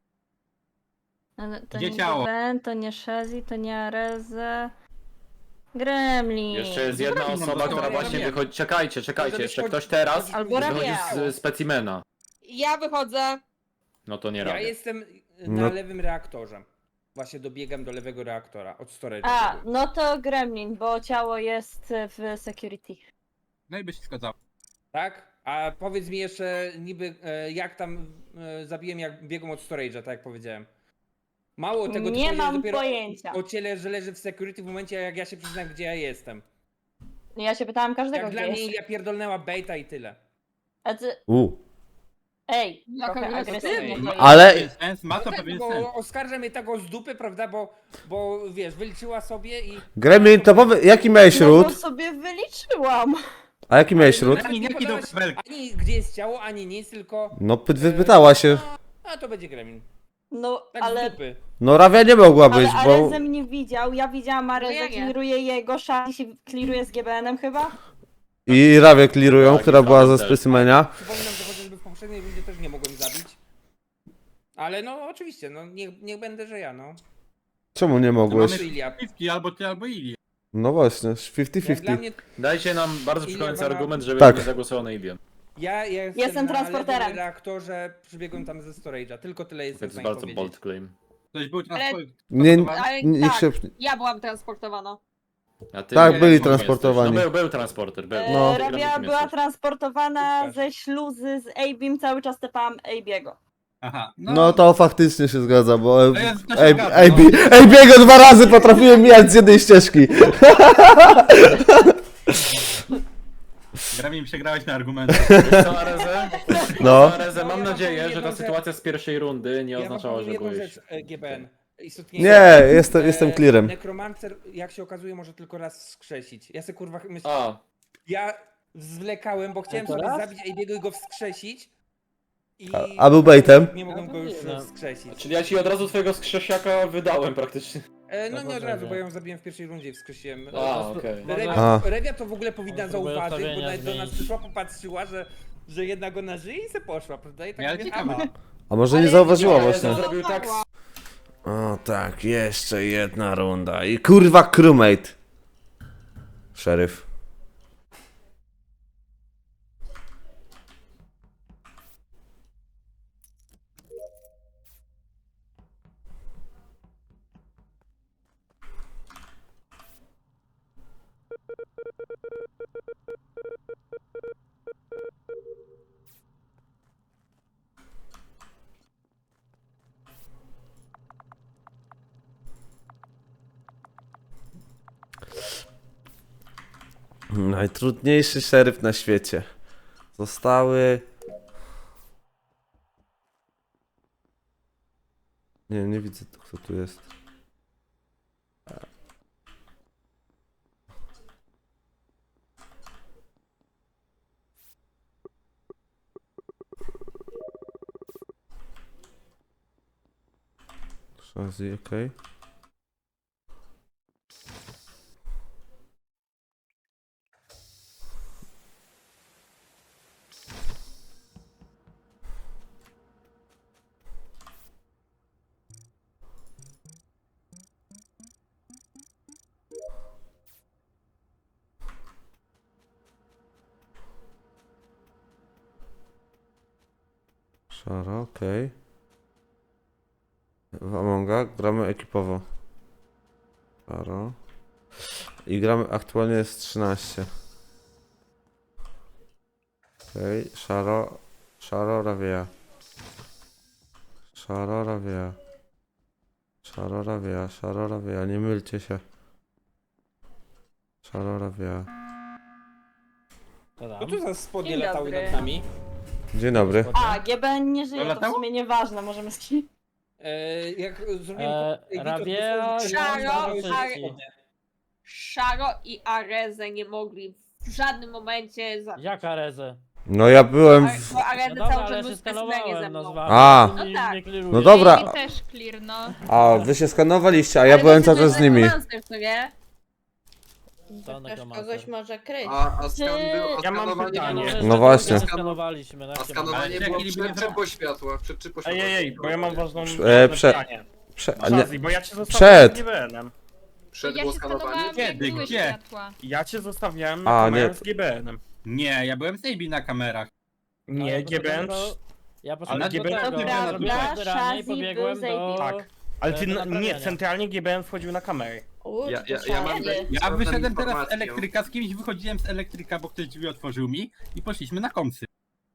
[SPEAKER 4] Ale to
[SPEAKER 6] Gdzie
[SPEAKER 4] nie
[SPEAKER 6] ciało?
[SPEAKER 4] GBN, to nie Shazzy, to nie Areze. Gremlin.
[SPEAKER 5] Jeszcze jest jedna
[SPEAKER 6] Gremlin,
[SPEAKER 5] osoba,
[SPEAKER 6] no to
[SPEAKER 5] która
[SPEAKER 6] ja
[SPEAKER 5] właśnie
[SPEAKER 6] wiem.
[SPEAKER 5] wychodzi. Czekajcie,
[SPEAKER 8] Może
[SPEAKER 5] jeszcze
[SPEAKER 8] być
[SPEAKER 5] ktoś teraz
[SPEAKER 4] Albo
[SPEAKER 5] wychodzi
[SPEAKER 4] Rabia.
[SPEAKER 5] z specimena.
[SPEAKER 7] Ja wychodzę.
[SPEAKER 5] No to nie
[SPEAKER 12] Ja
[SPEAKER 5] robię.
[SPEAKER 12] jestem
[SPEAKER 1] No.
[SPEAKER 12] na lewym reaktorze. Właśnie dobiegam do lewego reaktora, od storage'a.
[SPEAKER 4] A, no to Gremlin, bo ciało jest w security.
[SPEAKER 6] No i by się zgadzało.
[SPEAKER 12] Tak? A powiedz mi jeszcze niby jak tam zabiłem jak biegłem od storage'a, tak jak powiedziałem. Mało tego, ty
[SPEAKER 4] Nie
[SPEAKER 12] powiedziałeś
[SPEAKER 4] mam
[SPEAKER 12] dopiero
[SPEAKER 4] pojęcia.
[SPEAKER 12] o ciele, że leży w security w momencie jak ja się przyznam gdzie ja jestem.
[SPEAKER 4] Ja się pytałam każdego,
[SPEAKER 12] Jak
[SPEAKER 4] gdzie
[SPEAKER 12] dla mnie
[SPEAKER 4] jest.
[SPEAKER 12] Ilia pierdolnęła baita i tyle.
[SPEAKER 4] A ty...
[SPEAKER 1] U.
[SPEAKER 4] Ej,
[SPEAKER 7] Jaka
[SPEAKER 4] trochę
[SPEAKER 7] agresywna.
[SPEAKER 4] agresywnie to jest.
[SPEAKER 1] Ale
[SPEAKER 6] Sens, ma to
[SPEAKER 12] No tak,
[SPEAKER 6] pewien sens.
[SPEAKER 12] bo oskarża mnie tego z dupy, prawda, bo wiesz, wyliczyła sobie i...
[SPEAKER 1] Gremlin, to powie, jaki miałeś
[SPEAKER 4] No
[SPEAKER 1] ród?
[SPEAKER 4] bo sobie wyliczyłam.
[SPEAKER 1] A jaki miałeś ród?
[SPEAKER 12] Nawet
[SPEAKER 6] Ani
[SPEAKER 12] nie
[SPEAKER 6] jaki do
[SPEAKER 12] podałaś
[SPEAKER 6] kabelki.
[SPEAKER 12] ani gdzie jest ciało, ani nic, tylko...
[SPEAKER 1] No pytała się.
[SPEAKER 12] A to będzie Gremlin.
[SPEAKER 4] No,
[SPEAKER 12] Tak
[SPEAKER 4] ale...
[SPEAKER 12] z dupy.
[SPEAKER 1] No Rawia nie mogła być,
[SPEAKER 4] Ale
[SPEAKER 1] bo...
[SPEAKER 4] Arezem nie widział, ja widziałam Arezę,
[SPEAKER 7] ja nie.
[SPEAKER 4] kliruje jego, Shazzy się kliruje z GBN-em chyba.
[SPEAKER 1] I Rawię clearują,
[SPEAKER 5] Tak,
[SPEAKER 1] która
[SPEAKER 5] i
[SPEAKER 1] była
[SPEAKER 5] Frozen
[SPEAKER 1] ze
[SPEAKER 5] też.
[SPEAKER 1] specimenia.
[SPEAKER 12] Przypominam, że chociażby w poprzedniej rundzie też nie mogłem zabić. Ale no oczywiście, no niech będę, że ja, no.
[SPEAKER 1] Czemu nie
[SPEAKER 6] To
[SPEAKER 1] mogłeś?
[SPEAKER 6] mamy
[SPEAKER 12] Ilia.
[SPEAKER 6] 50 albo ty, albo Ili.
[SPEAKER 1] No właśnie,
[SPEAKER 12] Jak dla
[SPEAKER 1] 50-50.
[SPEAKER 12] mnie,
[SPEAKER 5] Dajcie nam bardzo
[SPEAKER 12] Ilia
[SPEAKER 5] przekonujący
[SPEAKER 12] ma-
[SPEAKER 5] argument, żeby
[SPEAKER 1] Tak.
[SPEAKER 5] nie zagłosował na Ilię.
[SPEAKER 12] ja
[SPEAKER 4] Jestem
[SPEAKER 12] na
[SPEAKER 4] transporterem.
[SPEAKER 12] lewym reaktorze, przybiegłem tam ze storage'a, tylko tyle jestem
[SPEAKER 5] To
[SPEAKER 12] w
[SPEAKER 5] jest
[SPEAKER 12] stanie
[SPEAKER 5] bardzo
[SPEAKER 12] powiedzieć.
[SPEAKER 5] bold claim.
[SPEAKER 6] Ktoś był transport.
[SPEAKER 1] Nie,
[SPEAKER 7] Ale
[SPEAKER 1] niech
[SPEAKER 7] tak,
[SPEAKER 1] się...
[SPEAKER 7] ja byłam transportowana.
[SPEAKER 5] A ty
[SPEAKER 1] Tak,
[SPEAKER 5] nie,
[SPEAKER 1] byli
[SPEAKER 5] nie
[SPEAKER 1] transportowani.
[SPEAKER 5] jesteś. No był transporter, był.
[SPEAKER 1] No.
[SPEAKER 5] Ty,
[SPEAKER 4] Rabia
[SPEAKER 5] Gremlin,
[SPEAKER 4] była
[SPEAKER 5] jesteś.
[SPEAKER 4] transportowana
[SPEAKER 12] Super.
[SPEAKER 4] ze śluzy z Abim, cały czas tepałam Abiego.
[SPEAKER 6] Aha.
[SPEAKER 1] No to faktycznie się zgadza, bo...
[SPEAKER 6] To jest- to się zgadza, no.
[SPEAKER 1] AB go 2 razy potrafiłem mijać z jednej ścieżki.
[SPEAKER 6] Gremlin przegrałeś na argumenty.
[SPEAKER 5] Wiesz co, Areze?
[SPEAKER 1] No.
[SPEAKER 5] Areze, mam
[SPEAKER 12] Ja wam
[SPEAKER 5] nadzieję,
[SPEAKER 12] powiem
[SPEAKER 5] że ta
[SPEAKER 12] jedną
[SPEAKER 5] sytuacja z pierwszej rundy nie
[SPEAKER 12] Ja wam
[SPEAKER 5] oznaczała,
[SPEAKER 12] powiem
[SPEAKER 5] że
[SPEAKER 12] jedną
[SPEAKER 5] byłeś...
[SPEAKER 12] rzecz, GBN. Istotnie
[SPEAKER 1] Nie, jestem clearem.
[SPEAKER 12] Nekromancer, jak się okazuje, może tylko raz wskrzesić. Ja sobie kurwa myślę,
[SPEAKER 5] A,
[SPEAKER 12] ja zwlekałem, bo chciałem
[SPEAKER 3] Tylko
[SPEAKER 12] sobie
[SPEAKER 3] raz?
[SPEAKER 12] zabić Abiego i go wskrzesić. I
[SPEAKER 1] A był baitem?
[SPEAKER 12] Nie mogłem go już
[SPEAKER 3] No.
[SPEAKER 12] wskrzesić.
[SPEAKER 5] czyli ja ci od razu twojego skrzesiaka wydałem praktycznie.
[SPEAKER 12] No nie od
[SPEAKER 3] Boże,
[SPEAKER 12] razu,
[SPEAKER 3] nie.
[SPEAKER 12] bo ja ją zabiłem w pierwszej rundzie i wskrzesiłem.
[SPEAKER 5] A, okej.
[SPEAKER 1] A.
[SPEAKER 12] Rewia to w ogóle powinna
[SPEAKER 3] On próbuje
[SPEAKER 12] zauważyć, bo
[SPEAKER 3] ustawienia
[SPEAKER 12] nawet do nas
[SPEAKER 3] zmienić.
[SPEAKER 12] przyszła, popatrzyła, że jednak ona żyje i se poszła, prawda? I tak
[SPEAKER 6] Ale
[SPEAKER 12] mówię,
[SPEAKER 6] ciekawe.
[SPEAKER 12] aha.
[SPEAKER 1] A może nie
[SPEAKER 7] Ale
[SPEAKER 1] zauważyła
[SPEAKER 7] nie,
[SPEAKER 1] właśnie.
[SPEAKER 7] ale-
[SPEAKER 5] Zrobił tak...
[SPEAKER 1] O tak, jeszcze jedna runda. I kurwa crewmate. Szeryf. Najtrudniejszy szeryf na świecie. Zostały... Nie widzę kto tu jest. Shazzy, okej. Szara, okej. W Amonga gramy ekipowo. Szaro. I gramy aktualnie jest 13. Okej, Szaro, Rawia. Szarorawia. Szarorawia, szarorawia, nie mylcie się. Szarorawia.
[SPEAKER 3] To
[SPEAKER 12] No
[SPEAKER 3] tam.
[SPEAKER 12] tu za spodnie
[SPEAKER 4] Dzień
[SPEAKER 12] latały
[SPEAKER 4] dobry.
[SPEAKER 12] nad nami.
[SPEAKER 1] Dzień dobry.
[SPEAKER 4] A, GBN nie żyje, to w
[SPEAKER 6] latało?
[SPEAKER 4] sumie nieważne, możemy skip.
[SPEAKER 12] Jak zrobiłem
[SPEAKER 3] Rabia,
[SPEAKER 7] Szaro,
[SPEAKER 3] ja-
[SPEAKER 7] Szaro i Areze nie mogli w żadnym momencie za...
[SPEAKER 3] Jaka rezę?
[SPEAKER 1] No ja byłem w...
[SPEAKER 7] Bo Areze
[SPEAKER 3] No dobra,
[SPEAKER 7] cały
[SPEAKER 3] ale
[SPEAKER 7] czas
[SPEAKER 3] się
[SPEAKER 7] był w specimenie ze
[SPEAKER 3] skanowałem,
[SPEAKER 7] mną.
[SPEAKER 3] no z wami.
[SPEAKER 1] A.
[SPEAKER 3] Nie-
[SPEAKER 7] No tak.
[SPEAKER 3] nie kliruję.
[SPEAKER 1] No dobra.
[SPEAKER 11] Mi też clear, no.
[SPEAKER 1] A, wy się skanowaliście, a ja
[SPEAKER 7] Ale
[SPEAKER 1] byłem
[SPEAKER 7] wiecie,
[SPEAKER 1] cały czas
[SPEAKER 7] że
[SPEAKER 1] z nimi.
[SPEAKER 7] Necromancer, co nie?
[SPEAKER 3] To
[SPEAKER 2] Ktoś
[SPEAKER 3] nekromancer.
[SPEAKER 2] kogoś może kryć.
[SPEAKER 10] A skan był, a
[SPEAKER 8] Ja mam
[SPEAKER 10] skanowanie
[SPEAKER 8] pytanie.
[SPEAKER 10] było,
[SPEAKER 1] No właśnie.
[SPEAKER 3] Skanowaliśmy,
[SPEAKER 10] a skanowanie
[SPEAKER 6] Ale
[SPEAKER 10] było
[SPEAKER 6] czekaj,
[SPEAKER 10] przed
[SPEAKER 6] nie
[SPEAKER 10] czy po światłach? Przed czy po światłach?
[SPEAKER 8] Ej, bo ja mam ważną
[SPEAKER 1] prze-
[SPEAKER 8] pytanie.
[SPEAKER 1] A nie,
[SPEAKER 8] Shazzy, bo ja cię zostawiałem
[SPEAKER 1] Przed.
[SPEAKER 8] z GBN-em.
[SPEAKER 10] Przed
[SPEAKER 11] Ja
[SPEAKER 10] było
[SPEAKER 11] się
[SPEAKER 10] skanowanie?
[SPEAKER 11] skanowałam, jak
[SPEAKER 6] Kiedy?
[SPEAKER 11] były
[SPEAKER 6] Gdzie?
[SPEAKER 11] światła.
[SPEAKER 8] Ja cię zostawiałem na
[SPEAKER 1] A,
[SPEAKER 8] kamerę
[SPEAKER 1] nie.
[SPEAKER 8] z GBN-em.
[SPEAKER 6] Nie, ja byłem z AB na kamerach.
[SPEAKER 8] Nie, GBN...
[SPEAKER 3] Ja
[SPEAKER 8] Ale
[SPEAKER 3] poszedłem do
[SPEAKER 8] GBN
[SPEAKER 3] tego,
[SPEAKER 6] Dobra,
[SPEAKER 3] zrobiłem
[SPEAKER 4] Shazzy
[SPEAKER 3] zbieranie i
[SPEAKER 4] był
[SPEAKER 3] pobiegłem
[SPEAKER 4] z
[SPEAKER 3] do...
[SPEAKER 4] AB.
[SPEAKER 8] Tak. Ale ty,
[SPEAKER 3] do
[SPEAKER 8] nie,
[SPEAKER 3] naprawiania.
[SPEAKER 8] centralnie GBN wchodził na kamerę.
[SPEAKER 10] Ja mam
[SPEAKER 6] Ja wyszedłem teraz z
[SPEAKER 10] informację.
[SPEAKER 6] elektryka, z kimś wychodziłem z elektryka, bo ktoś drzwi otworzył mi i poszliśmy na komsy.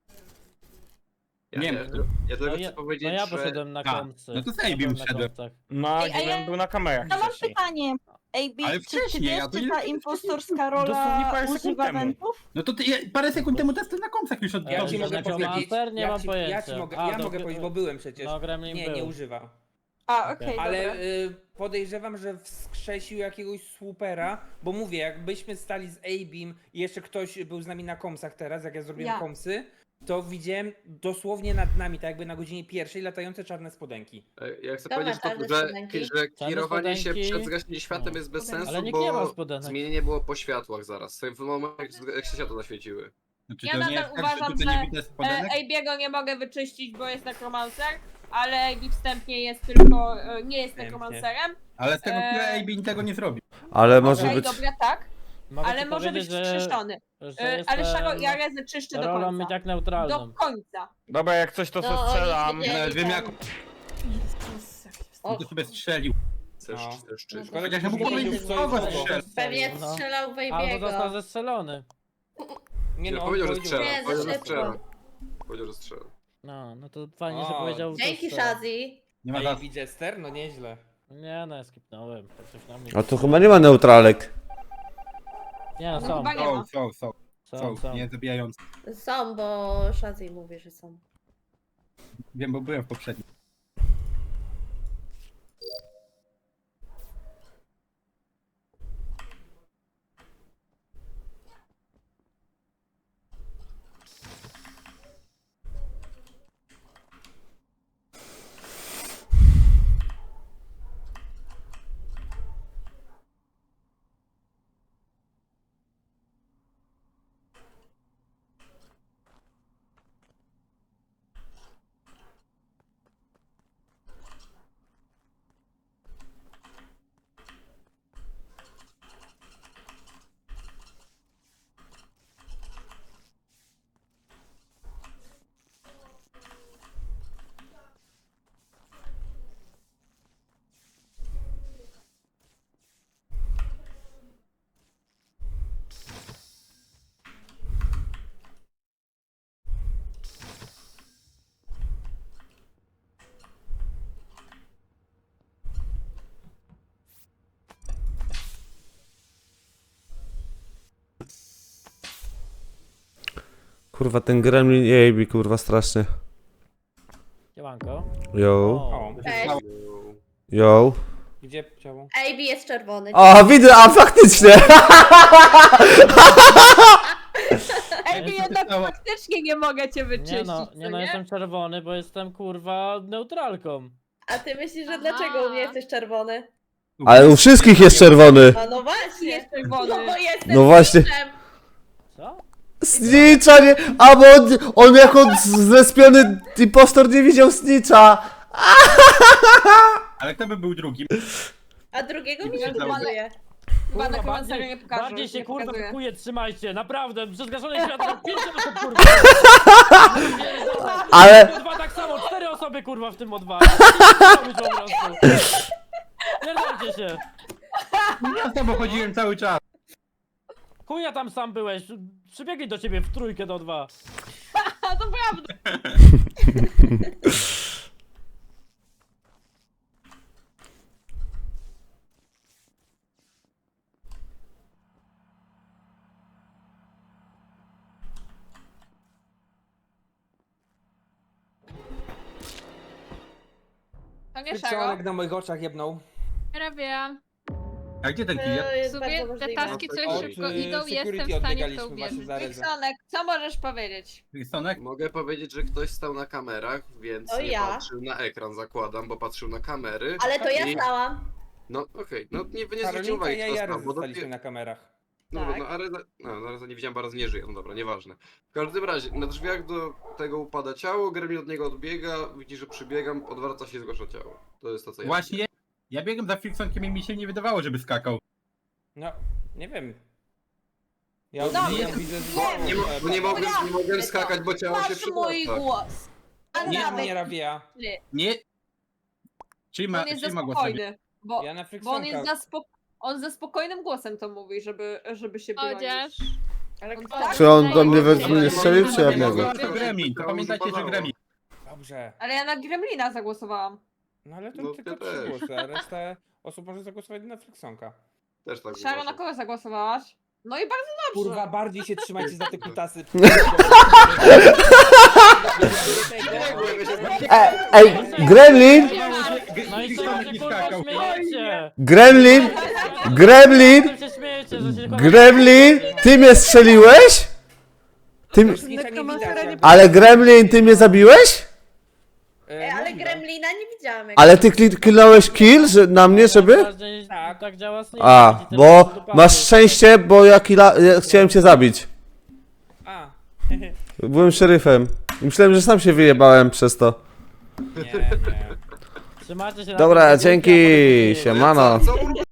[SPEAKER 6] Nie wiem.
[SPEAKER 10] Ja tylko
[SPEAKER 3] No
[SPEAKER 10] chcę
[SPEAKER 3] ja,
[SPEAKER 10] powiedzieć,
[SPEAKER 3] no ja
[SPEAKER 10] że...
[SPEAKER 3] poszedłem na
[SPEAKER 6] A,
[SPEAKER 3] komcy.
[SPEAKER 6] no to z
[SPEAKER 3] Ja
[SPEAKER 6] Abim
[SPEAKER 3] byłem na
[SPEAKER 6] wszedłem.
[SPEAKER 3] komcach.
[SPEAKER 8] No, a
[SPEAKER 4] Ej, a
[SPEAKER 8] GBN
[SPEAKER 4] ja-
[SPEAKER 8] był na kamerach
[SPEAKER 4] To mam
[SPEAKER 8] wcześniej.
[SPEAKER 4] pytanie. AB,
[SPEAKER 6] Ale
[SPEAKER 4] czy
[SPEAKER 6] wcześniej,
[SPEAKER 4] wiesz,
[SPEAKER 6] ja to
[SPEAKER 4] czy
[SPEAKER 6] nie-
[SPEAKER 4] ta impostorska
[SPEAKER 8] Dosłownie
[SPEAKER 4] rola
[SPEAKER 8] parę sekund
[SPEAKER 4] używa
[SPEAKER 8] temu.
[SPEAKER 4] wentów?
[SPEAKER 6] No to ty, parę sekund temu testy na komsach już od
[SPEAKER 12] Ja
[SPEAKER 3] Dobrze,
[SPEAKER 12] ci mogę
[SPEAKER 3] znaczy
[SPEAKER 12] powiedzieć.
[SPEAKER 3] master? Nie
[SPEAKER 12] ja
[SPEAKER 3] mam
[SPEAKER 12] ci,
[SPEAKER 3] pojęcia.
[SPEAKER 12] Ja, ci mogę,
[SPEAKER 3] A,
[SPEAKER 12] ja
[SPEAKER 3] to-
[SPEAKER 12] mogę powiedzieć, bo byłem przecież.
[SPEAKER 3] No, Gremlin
[SPEAKER 12] Nie,
[SPEAKER 3] był.
[SPEAKER 12] nie używa.
[SPEAKER 4] A, okej,
[SPEAKER 12] Ale
[SPEAKER 4] dobra.
[SPEAKER 12] podejrzewam, że wskrzesił jakiegoś swoopera, bo mówię, jakbyśmy stali z A-Beam i jeszcze ktoś był z nami na komsach teraz, jak ja zrobiłem
[SPEAKER 2] Ja.
[SPEAKER 12] komsy, to widziałem dosłownie nad nami, tak jakby na godzinie pierwszej, latające czarne spodenki.
[SPEAKER 10] Ja chcę
[SPEAKER 2] Kto ma
[SPEAKER 10] powiedzieć,
[SPEAKER 2] czarne
[SPEAKER 10] że
[SPEAKER 2] spodenki?
[SPEAKER 10] kierowanie się
[SPEAKER 3] spodenki?
[SPEAKER 10] przed zgaśnięciem światłem jest bez
[SPEAKER 2] Ale
[SPEAKER 10] sensu,
[SPEAKER 3] nikt nie ma
[SPEAKER 10] bo
[SPEAKER 3] spodenek.
[SPEAKER 10] zmienienie było po światłach zaraz. W momencie, jak się światło zaświeciły.
[SPEAKER 6] Znaczy,
[SPEAKER 7] Ja
[SPEAKER 6] to nie
[SPEAKER 7] nadal
[SPEAKER 6] jest tak,
[SPEAKER 7] uważam,
[SPEAKER 6] że tutaj
[SPEAKER 7] że
[SPEAKER 6] nie widać spodenek?
[SPEAKER 7] AB'ego nie mogę wyczyścić, bo jest nekromancer, ale AB wstępnie jest tylko... nie jest nekromancerem.
[SPEAKER 6] Ale z tego tyle AB tego nie zrobi.
[SPEAKER 1] ale może
[SPEAKER 7] Okej,
[SPEAKER 1] być...
[SPEAKER 7] dobra, tak,
[SPEAKER 3] Mogę
[SPEAKER 7] ale
[SPEAKER 3] ci
[SPEAKER 7] może być
[SPEAKER 3] powiedzieć,
[SPEAKER 7] wskrzeszony.
[SPEAKER 3] że
[SPEAKER 7] Ale Szaro
[SPEAKER 3] jestem
[SPEAKER 7] i Arezę czyszczę do
[SPEAKER 3] rolą
[SPEAKER 7] końca.
[SPEAKER 3] jak neutralną.
[SPEAKER 7] Do końca.
[SPEAKER 8] Dobra, jak coś to
[SPEAKER 2] No,
[SPEAKER 8] se
[SPEAKER 2] oni
[SPEAKER 8] strzelam.
[SPEAKER 2] wiedzieli.
[SPEAKER 6] Ale wiem jak
[SPEAKER 2] Jezus, jak się
[SPEAKER 6] on to sobie strzelił.
[SPEAKER 10] Chcesz,
[SPEAKER 12] No.
[SPEAKER 10] chcesz, czy...
[SPEAKER 12] Szkoda,
[SPEAKER 6] Chociaż
[SPEAKER 12] że
[SPEAKER 6] mógł
[SPEAKER 12] nie
[SPEAKER 6] powiedzieć,
[SPEAKER 12] wiedział, co
[SPEAKER 6] kogo
[SPEAKER 12] jest kogo.
[SPEAKER 6] strzelił.
[SPEAKER 2] Pewnie
[SPEAKER 3] No.
[SPEAKER 2] strzelał w
[SPEAKER 3] Albo został
[SPEAKER 2] Ejbiego.
[SPEAKER 3] zestrzelony.
[SPEAKER 12] Nie
[SPEAKER 10] Nie,
[SPEAKER 12] no, on
[SPEAKER 10] powiedział, że
[SPEAKER 12] powiedział,
[SPEAKER 10] strzela.
[SPEAKER 2] Nie,
[SPEAKER 10] Powiedział,
[SPEAKER 2] za
[SPEAKER 10] że
[SPEAKER 2] szybko.
[SPEAKER 10] strzela. Powiedział, że strzela.
[SPEAKER 3] No to fajnie, że
[SPEAKER 12] O,
[SPEAKER 3] powiedział...
[SPEAKER 2] Dzięki,
[SPEAKER 3] to,
[SPEAKER 2] Shazzy.
[SPEAKER 6] Nie ma
[SPEAKER 12] A
[SPEAKER 6] za...
[SPEAKER 12] AB Jester? No nieźle.
[SPEAKER 3] Nie, no ja skipnąłem. To coś na mnie...
[SPEAKER 1] A tu chyba nie ma neutralek.
[SPEAKER 3] Nie,
[SPEAKER 7] No
[SPEAKER 3] są.
[SPEAKER 7] chyba nie ma.
[SPEAKER 6] Są, nie zabijający.
[SPEAKER 2] Są, bo Shazzy mówi, że są.
[SPEAKER 6] Wiem, bo byłem w poprzednim.
[SPEAKER 1] Kurwa, ten gremlin i AB, kurwa, strasznie.
[SPEAKER 3] Siemanko.
[SPEAKER 1] Yo,
[SPEAKER 12] O,
[SPEAKER 2] Cześć.
[SPEAKER 1] yo.
[SPEAKER 12] gdzie ciało?
[SPEAKER 2] AB jest czerwony.
[SPEAKER 1] O, widzę, a faktycznie!
[SPEAKER 7] AB jednak faktycznie nie mogę cię wyczyścić,
[SPEAKER 3] Nie no,
[SPEAKER 7] co
[SPEAKER 3] nie no, jestem czerwony, bo jestem kurwa neutralką.
[SPEAKER 2] A ty myślisz, że
[SPEAKER 11] Aha.
[SPEAKER 2] dlaczego u mnie jesteś czerwony?
[SPEAKER 1] Ale u wszystkich jest czerwony.
[SPEAKER 2] A no właśnie.
[SPEAKER 7] Jest czerwony.
[SPEAKER 2] No bo jestem
[SPEAKER 1] No właśnie.
[SPEAKER 2] snitchem.
[SPEAKER 3] Co?
[SPEAKER 1] Snitcha nie... A bo on jako zlespiony impostor nie widział Snitcha.
[SPEAKER 6] Ale kto by był drugim?
[SPEAKER 2] A drugiego mi
[SPEAKER 6] Nie
[SPEAKER 2] nie
[SPEAKER 6] widziałem.
[SPEAKER 2] pokazuje.
[SPEAKER 7] Chyba
[SPEAKER 3] Kurwa,
[SPEAKER 7] nekromancera nie pokaże.
[SPEAKER 3] bardziej się
[SPEAKER 7] nie
[SPEAKER 3] kurwa
[SPEAKER 7] pokazuje.
[SPEAKER 3] kuje, trzymajcie, naprawdę, przez zgaszone światło 5 osób kurwa.
[SPEAKER 1] Ale...
[SPEAKER 3] O2 tak samo, 4 osoby kurwa w tym O2. Po prostu. Pierdolcie się.
[SPEAKER 6] Ja z tobą chodziłem cały czas.
[SPEAKER 3] Chuja tam sam byłeś, przybiegli do ciebie w trójkę do 2.
[SPEAKER 7] A to prawda. To nie Szaro.
[SPEAKER 12] Frykcjonek na moich oczach jebnął.
[SPEAKER 11] Rabia.
[SPEAKER 6] A gdzie ten
[SPEAKER 2] To
[SPEAKER 6] kill?
[SPEAKER 2] jest
[SPEAKER 11] W
[SPEAKER 2] bardzo
[SPEAKER 11] sumie te
[SPEAKER 2] możliwe.
[SPEAKER 11] taski coś
[SPEAKER 10] Od,
[SPEAKER 11] szybko
[SPEAKER 12] y,
[SPEAKER 11] idą,
[SPEAKER 12] security
[SPEAKER 11] jestem w stanie w to
[SPEAKER 12] odbiegaliśmy właśnie
[SPEAKER 11] uwierzyć.
[SPEAKER 12] za rezem.
[SPEAKER 7] Wiksonek, co możesz powiedzieć?
[SPEAKER 6] Wilsonek?
[SPEAKER 10] Mogę powiedzieć, że ktoś stał na kamerach, więc
[SPEAKER 2] To
[SPEAKER 10] nie
[SPEAKER 2] ja.
[SPEAKER 10] patrzył na ekran, zakładam, bo patrzył na kamery.
[SPEAKER 2] Ale to ja
[SPEAKER 10] I-
[SPEAKER 2] stałam.
[SPEAKER 10] No okej, no nie zwróciłem
[SPEAKER 12] Karolinka
[SPEAKER 10] uwagi,
[SPEAKER 12] i ja
[SPEAKER 10] kto
[SPEAKER 12] i
[SPEAKER 10] stał,
[SPEAKER 12] Ares
[SPEAKER 10] bo
[SPEAKER 12] zostaliśmy na kamerach.
[SPEAKER 10] No,
[SPEAKER 2] Tak.
[SPEAKER 10] no, Areza nie widziałem, bo Arez nie żyje, no dobra, nieważne. W każdym razie, na drzwiach do tego upada ciało, Gremlin od niego odbiega, widzi, że przybiegam, odwraca się i zgłasza ciało. To jest to, co ja
[SPEAKER 6] Właśnie, ja biegłem za Friksonkiem i mi się nie wydawało, żeby skakał.
[SPEAKER 12] No, nie wiem. Ja
[SPEAKER 7] No,
[SPEAKER 12] odbijam, widzę, że...
[SPEAKER 10] Nie mogłem skakać, bo ciało się
[SPEAKER 7] Masz mój
[SPEAKER 10] przydasta.
[SPEAKER 7] głos.
[SPEAKER 12] Nie Rabia.
[SPEAKER 6] Nie. Czyli ma,
[SPEAKER 7] On jest za
[SPEAKER 6] czyli ma głos sobie.
[SPEAKER 7] spokojny, bo,
[SPEAKER 12] Ja na
[SPEAKER 7] bo on jest
[SPEAKER 12] Friksonka.
[SPEAKER 7] on ze spokojnym głosem to mówi, żeby się bronić.
[SPEAKER 11] Chociaż...
[SPEAKER 2] Ale
[SPEAKER 7] On
[SPEAKER 2] kto?
[SPEAKER 7] tak-
[SPEAKER 1] Czy on do mnie nie strzelił, czy ja w niego?
[SPEAKER 6] To Gremlin, to pamiętajcie, że Gremlin.
[SPEAKER 12] Dobrze.
[SPEAKER 7] Ale ja na Gremlina zagłosowałam.
[SPEAKER 12] No ale to
[SPEAKER 10] No,
[SPEAKER 12] tylko
[SPEAKER 10] ja
[SPEAKER 12] 3
[SPEAKER 10] też.
[SPEAKER 12] głosy, a reszta osób może zagłosować na Friksonka.
[SPEAKER 10] Też tak
[SPEAKER 7] Szaro, na
[SPEAKER 10] uważam.
[SPEAKER 7] kogo zagłosowałaś? No i bardzo dobrze.
[SPEAKER 12] Kurwa, bardziej się trzymajcie za te kutasy.
[SPEAKER 1] Ej, Gremlin!
[SPEAKER 3] No i co
[SPEAKER 6] Wilsonek
[SPEAKER 3] się
[SPEAKER 6] mi
[SPEAKER 3] kurwa
[SPEAKER 6] skakał.
[SPEAKER 3] śmiejecie?
[SPEAKER 1] Gremlin! Gremlin!
[SPEAKER 3] Co się śmiejecie, że się tylko...
[SPEAKER 1] Gremlin! Ty mnie strzeliłeś? Ty...
[SPEAKER 9] Nekromancera nie
[SPEAKER 1] Ale Gremlin, ty mnie zabiłeś?
[SPEAKER 2] Ale Gremlina nie widziałam.
[SPEAKER 1] Ale ty kliknąłeś kill na mnie, żeby?
[SPEAKER 3] Tak działa Snake.
[SPEAKER 1] A,
[SPEAKER 3] Ci
[SPEAKER 1] bo
[SPEAKER 3] tylko do
[SPEAKER 1] masz
[SPEAKER 3] pasy.
[SPEAKER 1] szczęście, bo ja chciałem cię zabić.
[SPEAKER 12] A,
[SPEAKER 1] Byłem szeryfem. I myślałem, że sam się wyjebałem przez to.
[SPEAKER 12] nie.
[SPEAKER 3] Trzymajcie się na
[SPEAKER 1] Dobra,
[SPEAKER 3] tym,
[SPEAKER 1] dzięki,
[SPEAKER 3] a potem się
[SPEAKER 1] siemano.
[SPEAKER 10] Co